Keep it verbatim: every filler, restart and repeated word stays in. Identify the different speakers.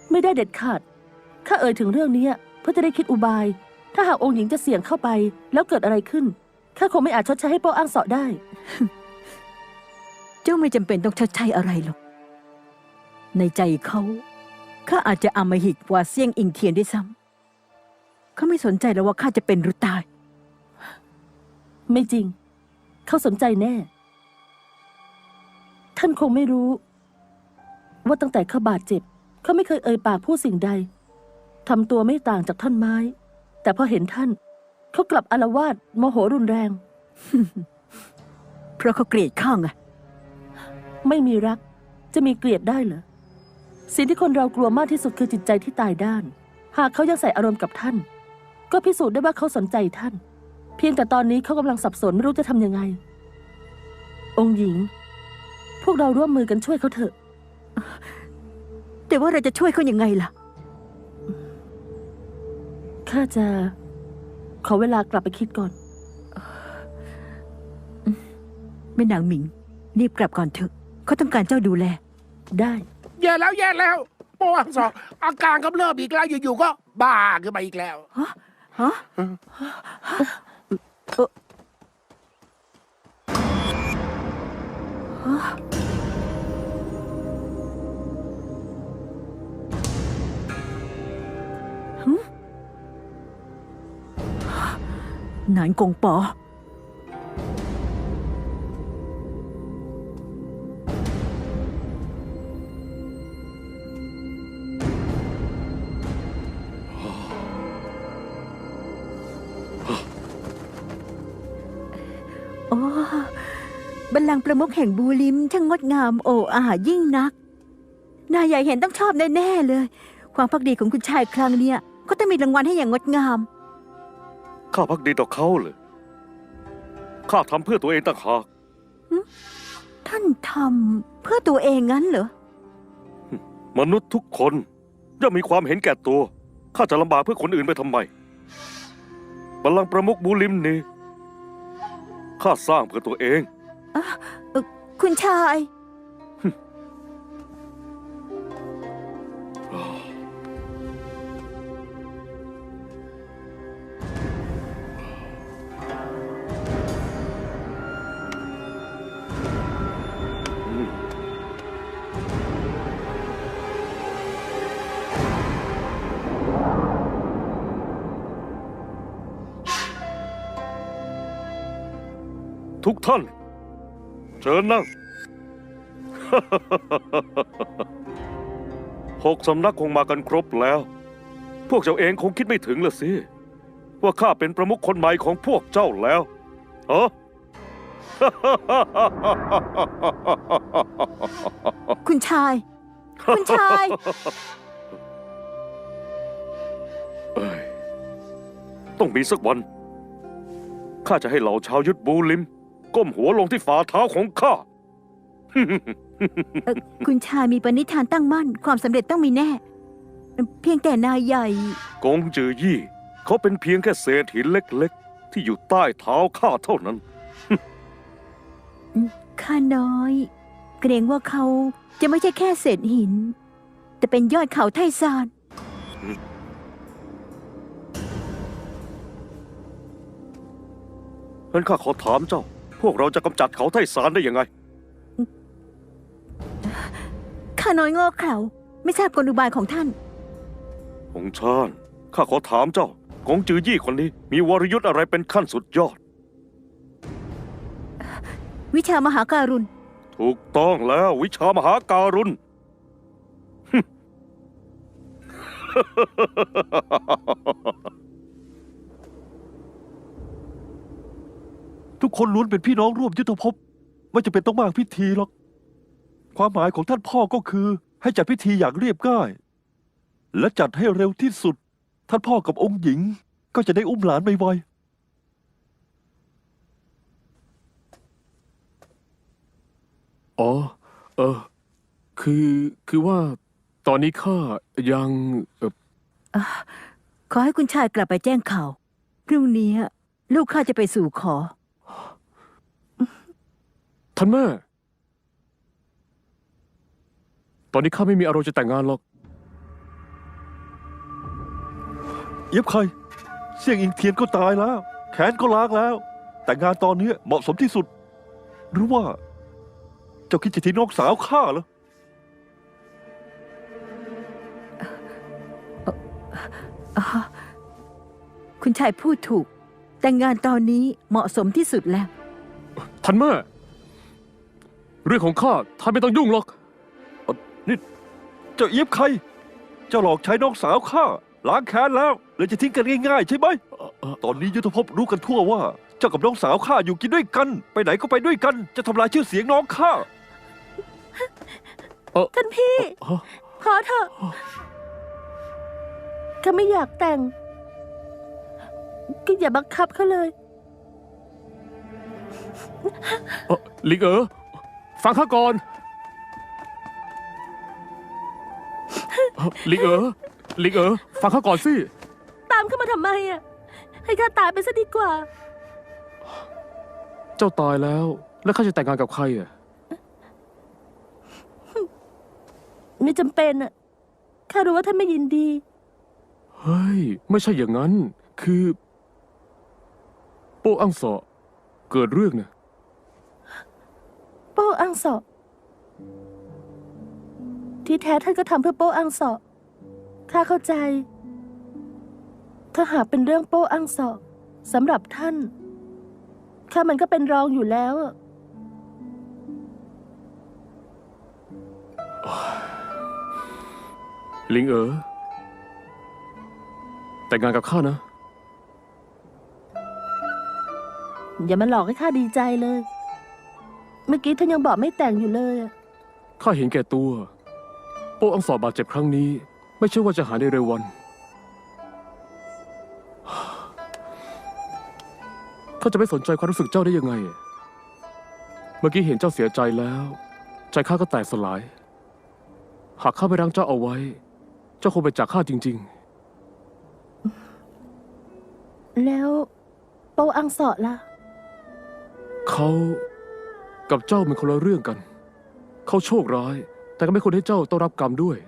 Speaker 1: ไม่ได้เด็ดขาดข้าเอ่ยถึงเรื่องนี้เพื่อจะได้คิดอุบายถ้าหากองค์หญิงจะเสี่ยงเข้าไปแล้วเกิดอะไรขึ้นข้าคงไม่อาจชดใช้ให้โป้อ้างเสาะได้
Speaker 2: เจ้าไม่จำเป็นต้องชดใช้อะไรหรอกในใจเขาข้าอาจจะอำมหิตกว่าเซี่ยงอิงเทียนด้วยซ้ำเขาไม่สนใจแล้วว่าข้าจะเป็นหรือตาย
Speaker 1: ไม่จริงเขาสนใจแน่ท่านคงไม่รู้ว่าตั้งแต่เขาบาดเจ็บเขาไม่เคยเอ่ยปากพูดสิ่งใดทำตัวไม่ต่างจากท่อนไม้แต่พอเห็นท่านเขากลับอาละวาดโมโหรุนแรง
Speaker 2: เพราะเขาเกลียดข้าไง
Speaker 1: ไม่มีรักจะมีเกลียดได้เหรอสิ่งที่คนเรากลัวมากที่สุดคือจิตใจที่ตายด้านหากเขายังใส่อารมณ์กับท่านก็พิสูจน์ได้ว่าเขาสนใจท่านเพียงแต่ตอนนี้เขากำลังสับสนไม่รู้จะทำยังไงองค์หญิงพวกเราร่วมมือกันช่วยเขาเถอะ
Speaker 2: แต่ว่าเราจะช่วยเขายังไงล่ะ
Speaker 1: ข้าจะขอเวลากลับไปคิดก่อน
Speaker 2: แม่นางหมิงรีบกลับก่อนเถอะเขาต้องการเจ้าดูแล
Speaker 1: ได้
Speaker 3: แย่แล้วแย่แล้วโป้อังสอกอาการกำเริบอีกแล้วอยู่ๆก็บ้าขึ้นมาอีกแล้ว
Speaker 2: ฮะฮะเออหนานกงปอโอ้บัลลังก์ประมุขแห่งบูลิมช่างงดงามโอ้อายิ่งนักนายใหญ่เห็นต้องชอบแน่ๆเลยความภักดีของคุณชายครั้งเนี้ยก็ต้องมีรางวัลให้อย่างงดงาม
Speaker 4: ข้าภักดีต่อเขาเลยข้าทำเพื่อตัวเองต่างหาก
Speaker 2: ท่านทำเพื่อตัวเองงั้นเหรอ
Speaker 4: มนุษย์ทุกคนย่อมมีความเห็นแก่ตัวข้าจะลำบากเพื่อคนอื่นไปทำไมบัลลังก์ประมุขบูลิมนี่ข้าสร้างเพื่อตัวเอง
Speaker 2: อะคุณชาย
Speaker 4: ทุกท่านเชิญนั่ง หกสำนักคงมากันครบแล้วพวกเจ้าเองคงคิดไม่ถึงละสิว่าข้าเป็นประมุขคนใหม่ของพวกเจ้าแล้วฮะ
Speaker 2: คุณชายคุณชาย
Speaker 4: ต้องมีสักวันข้าจะให้เหล่าชาวยุทธบูลิมก้มหัวลงที่ฝ่าเท้าของข้า
Speaker 2: คุณชายมีปณิธานตั้งมั่นความสำเร็จต้องมีแน่เพียงแต่นายใหญ่
Speaker 4: กงจือยี่เขาเป็นเพียงแค่เศษหินเล็กๆที่อยู่ใต้เท้าข้าเท่านั้น
Speaker 2: ข้าน้อยเกรงว่าเขาจะไม่ใช่แค่เศษหินแต่เป็นยอดเขาไทซาน
Speaker 4: งั้นข้าขอถามเจ้าพวกเราจะกำจัดเขาไทซานได้ยังไง
Speaker 2: ข้าน้อยโง่เขลาไม่ทราบกลอุบายของท่าน
Speaker 4: องค์ชาญข้าขอถามเจ้ากงจือยี่คนนี้มีวรยุทธ์อะไรเป็นขั้นสุดยอด
Speaker 2: วิชามหาการุณ
Speaker 4: ถูกต้องแล้ววิชามหาการุณ
Speaker 5: ทุกคนล้วนเป็นพี่น้องร่วมยุทธภพไม่จำเป็นต้องมากพิธีหรอกความหมายของท่านพ่อก็คือให้จัดพิธีอย่างเรียบง่ายและจัดให้เร็วที่สุดท่านพ่อกับองค์หญิงก็จะได้อุ้มหลานไว
Speaker 6: ๆอ๋อเออคือคือว่าตอนนี้ข้ายังเออ
Speaker 2: ขอให้คุณชายกลับไปแจ้งข่าวพรุ่งนี้ลูกข้าจะไปสู่ขอ
Speaker 6: ท่านแม่ตอนนี้ข้าไม่มีอารมณ์จะแต่งงานหรอก
Speaker 5: เอียบใครเสี่ยงอิงเทียนก็ตายแล้ว แขนก็ล้างแล้ว แต่งานตอนนี้เหมาะสมที่สุด หรือว่า เจ้าคิดจะทิ้งน้องสาวข้าเหรอ
Speaker 2: อ๋อคุณชายพูดถูก แต่งงานตอนนี้เหมาะสมที่สุดแล้ว
Speaker 6: ท่านแม่ เรื่องของข้าท่านไม่ต้องยุ่งหรอก
Speaker 5: เจ้าเอียบใคร เจ้าหลอกใช้น้องสาวข้าล้างแค้นแล้วเลยจะทิ้งกันง่ายๆใช่ไหม ตอนนี้ยุทธภพรู้กันทั่วว่า เจ้ากับน้องสาวข้าอยู่กินด้วยกัน ไปไหนก็ไปด้วยกัน จะทำลายชื่อเสียงน้องข้า
Speaker 1: ท่านพี่
Speaker 6: ฮะ
Speaker 1: พอเถอะข้าไม่อยากแต่ง ก็อย่าบังคับเขาเลย
Speaker 6: เอ่อลิงเอ๋อฟังข้าก่อนเอ่อลิงเอ๋อลิงเอ๋อฟังข้าก่อนสิ
Speaker 1: ตามเข้ามาทำไมอ่ะ ให้ข้าตายไปซะดีกว่า
Speaker 6: เจ้าตายแล้ว แล้วข้าจะแต่งงานกับใครอ่ะ
Speaker 1: ไม่จำเป็นอ่ะ ข้ารู้ว่าท่านไม่ยินดี
Speaker 6: เฮ้ย ไม่ใช่อย่างนั้น คือ โป้อังเสอเกิดเรื่องเนี่ย
Speaker 1: โป้อังเสาะที่แท้ท่านก็ทำเพื่อโป้อังเสาะข้าเข้าใจ ถ้าหากเป็นเรื่องโป้อังเสาะสำหรับท่าน ข้ามันก็เป็นรองอยู่แล้วอะ
Speaker 6: ลิงเอ๋อแต่งงานกับข้านะ
Speaker 1: อย่ามาหลอกให้ข้าดีใจเลย เมื่อกี้ท่านยังบอกไม่แต่งอยู่เลยอะ
Speaker 6: ข้าเห็นแก่ตัว โป้อังสอบบาดเจ็บครั้งนี้ ไม่ใช่ว่าจะหายในเร็ววัน ข้าจะไม่สนใจความรู้สึกเจ้าได้ยังไง เมื่อกี้เห็นเจ้าเสียใจแล้ว ใจข้าก็แตกสลาย หากข้าไปรั้งเจ้าเอาไว้ เจ้าคงไปจากข้าจริง
Speaker 1: แล้วโป้อังเสาะล่ะ
Speaker 6: ๆ เขากับเจ้าเป็นคนละเรื่องกัน เขาโชคร้าย แต่ก็ไม่ควรให้เจ้าต้องรับกรรมด้วย